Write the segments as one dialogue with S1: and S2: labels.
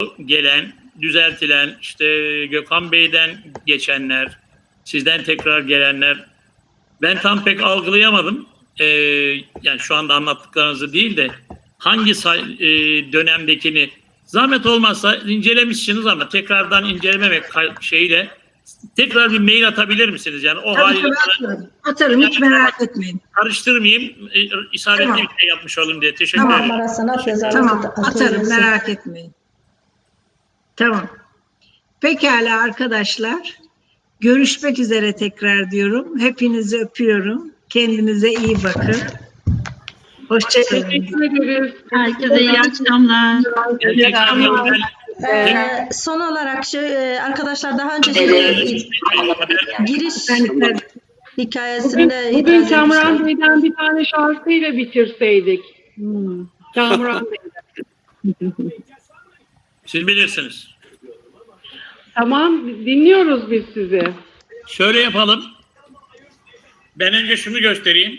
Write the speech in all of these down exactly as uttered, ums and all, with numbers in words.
S1: gelen, düzeltilen, işte Gökhan Bey'den geçenler, sizden tekrar gelenler, ben tam pek algılayamadım. Ee, yani şu anda anlattıklarınızı değil de hangi say- e, dönemdekini zahmet olmazsa incelemişsiniz ama tekrardan incelememek şeyle tekrar bir mail atabilir misiniz? Yani o
S2: tabii,
S1: haliyle
S2: tabii, atarım. Atarım, hiç merak etmeyin.
S1: Karıştırmayayım, e, isabetli
S2: Tamam.
S1: bir şey yapmış olayım diye. Teşekkür
S2: Tamam.
S1: ederim.
S3: Sanat
S2: Tamam, atarım, merak etmeyin. Tamam. Pekala arkadaşlar. Görüşmek üzere tekrar diyorum. Hepinizi öpüyorum. Kendinize iyi bakın. Hoşçakalın.
S4: Teşekkür ederiz.
S5: Herkese iyi akşamlar.
S1: İyi akşamlar.
S3: Ee, son olarak şu, e, arkadaşlar daha önce şey, giriş hikayesinde
S4: Bugün, bugün
S3: itiraz
S4: Kamran
S3: etmişler.
S4: Bey'den bir tane şarkıyla bitirseydik. Hmm. Kamran Bey'den.
S1: Siz bilirsiniz.
S4: Tamam, dinliyoruz biz sizi.
S1: Şöyle yapalım. Ben önce şunu göstereyim.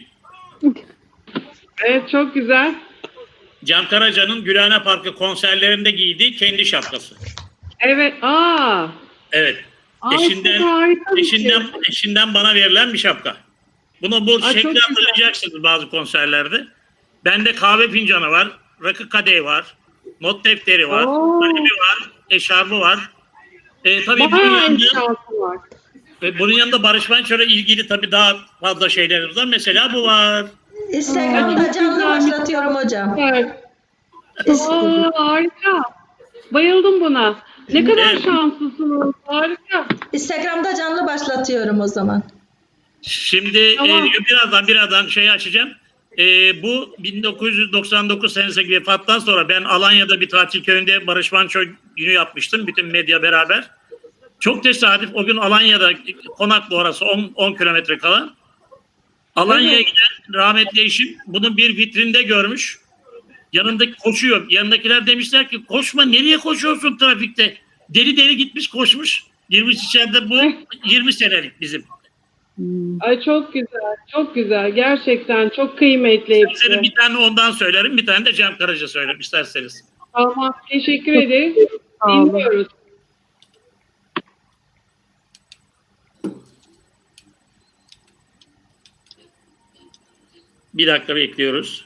S4: Evet, çok güzel.
S1: Can Karaca'nın Gülhane Parkı konserlerinde giydiği kendi şapkası.
S4: Evet, aa.
S1: Evet.
S4: Aa,
S1: Eşinden,
S4: çok harika bir
S1: eşinden,
S4: şey.
S1: eşinden bana verilen bir şapka. Bunu bu
S4: Aa, çok
S1: şekli
S4: güzel.
S1: hatırlayacaksınız bazı konserlerde. Bende kahve fincanı var, rakı kadehi var, not defteri var,
S4: Oo.
S1: kalemi var, eşarbı var. E, tabii bunun
S4: Bayağı
S1: yanında,
S4: eşyası var.
S1: ve bunun yanında Barış Manço'yla ilgili tabii daha fazla şeylerimiz var. Mesela bu var.
S3: Instagram'da canlı başlatıyorum hocam.
S4: Evet. Aa, harika. Bayıldım buna. Ne kadar
S1: Evet.
S4: şanslısınız. Harika.
S3: Instagram'da canlı başlatıyorum o zaman.
S1: Şimdi
S4: Tamam.
S1: e, birazdan birazdan şeyi açacağım. E, bu bin dokuz yüz doksan dokuz senesindeki vefattan sonra ben Alanya'da bir tatil köyünde Barış Manço günü yapmıştım. Bütün medya beraber. Çok tesadüf o gün Alanya'da Konaklı orası on kilometre kala. Alanya'ya
S4: Evet.
S1: giden rahmetli eşim bunu bir vitrinde görmüş. Yanındaki koşuyor. Yanındakiler demişler ki koşma, nereye koşuyorsun trafikte? Deli deli gitmiş koşmuş. Girmiş içeride, bu yirmi senelik bizim.
S4: Ay çok güzel, çok güzel. Gerçekten çok kıymetli hepsi.
S1: İsterseniz bir tane ondan söylerim, bir tane de Can Karaca söylerim isterseniz.
S4: Tamam, teşekkür ederiz. Dinliyoruz.
S1: Bir dakika bekliyoruz.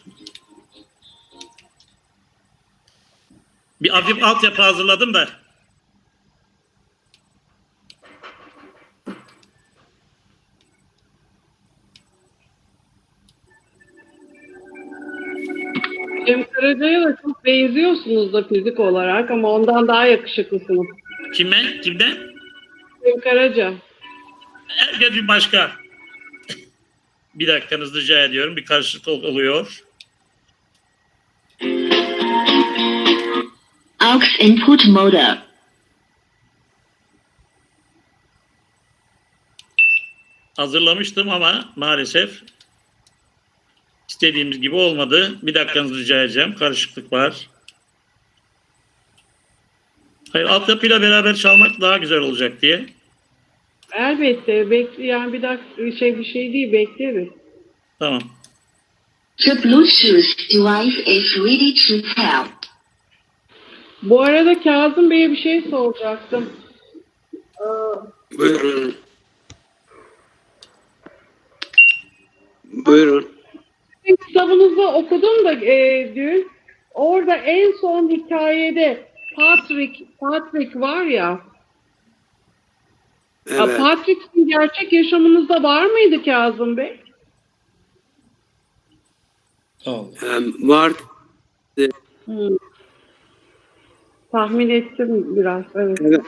S1: Bir hafif altyapı hazırladım da.
S4: Cem Karaca'ya da çok benziyorsunuz da fizik olarak ama ondan daha yakışıklısınız.
S1: Kime? Kimden?
S4: Cem Karaca.
S1: Herkes bir başka. Bir dakikanızı rica ediyorum. Bir karışıklık oluyor.
S5: Aux input mode.
S1: Hazırlamıştım ama maalesef istediğimiz gibi olmadı. Bir dakikanızı rica edeceğim. Karışıklık var. Hayır, altyapıyla beraber çalmak daha güzel olacak diye.
S4: Elbette. Bekle, yani bir dakika şey bir şey değil, bekleriz.
S1: Tamam.
S5: The Bluetooth device is ready to pair.
S4: Bu arada Kazım Bey'e bir şey soracaktım.
S6: Buyurun. Buyurun.
S4: Sizin kitabınızı okudum da e, dün. Orada en son hikayede Patrick, Patrick var ya.
S6: Evet.
S4: Patrick'in gerçek yaşamınızda var mıydı Kazım Bey?
S6: Em, var.
S4: Hmm. Tahmin ettim biraz. Evet.
S6: Evet.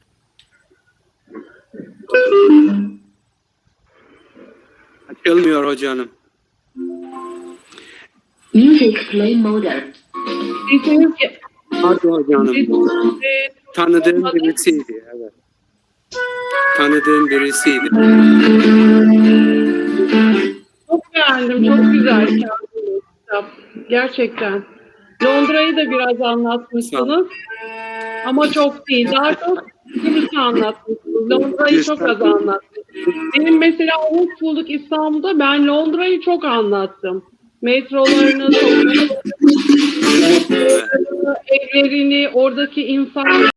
S6: Açılmıyor hocanım.
S5: Music play mode.
S4: Diyeceğiniz ki,
S6: Hadi hocanım.
S4: e,
S6: Tanıdığım birisiydi. Evet. Tanıdığım birisiydi.
S4: çok beğendim. Çok güzel Kazım Bey kitap. Gerçekten. Londra'yı da biraz anlatmışsınız. Ama çok değil. Daha çok Kıbrıs'ı anlatmışsınız. Londra'yı çok az anlatmışsınız. Benim mesela umut bulduk İstanbul'da. Ben Londra'yı çok anlattım. Metrolarını, sokaklarını, evlerini, oradaki insanları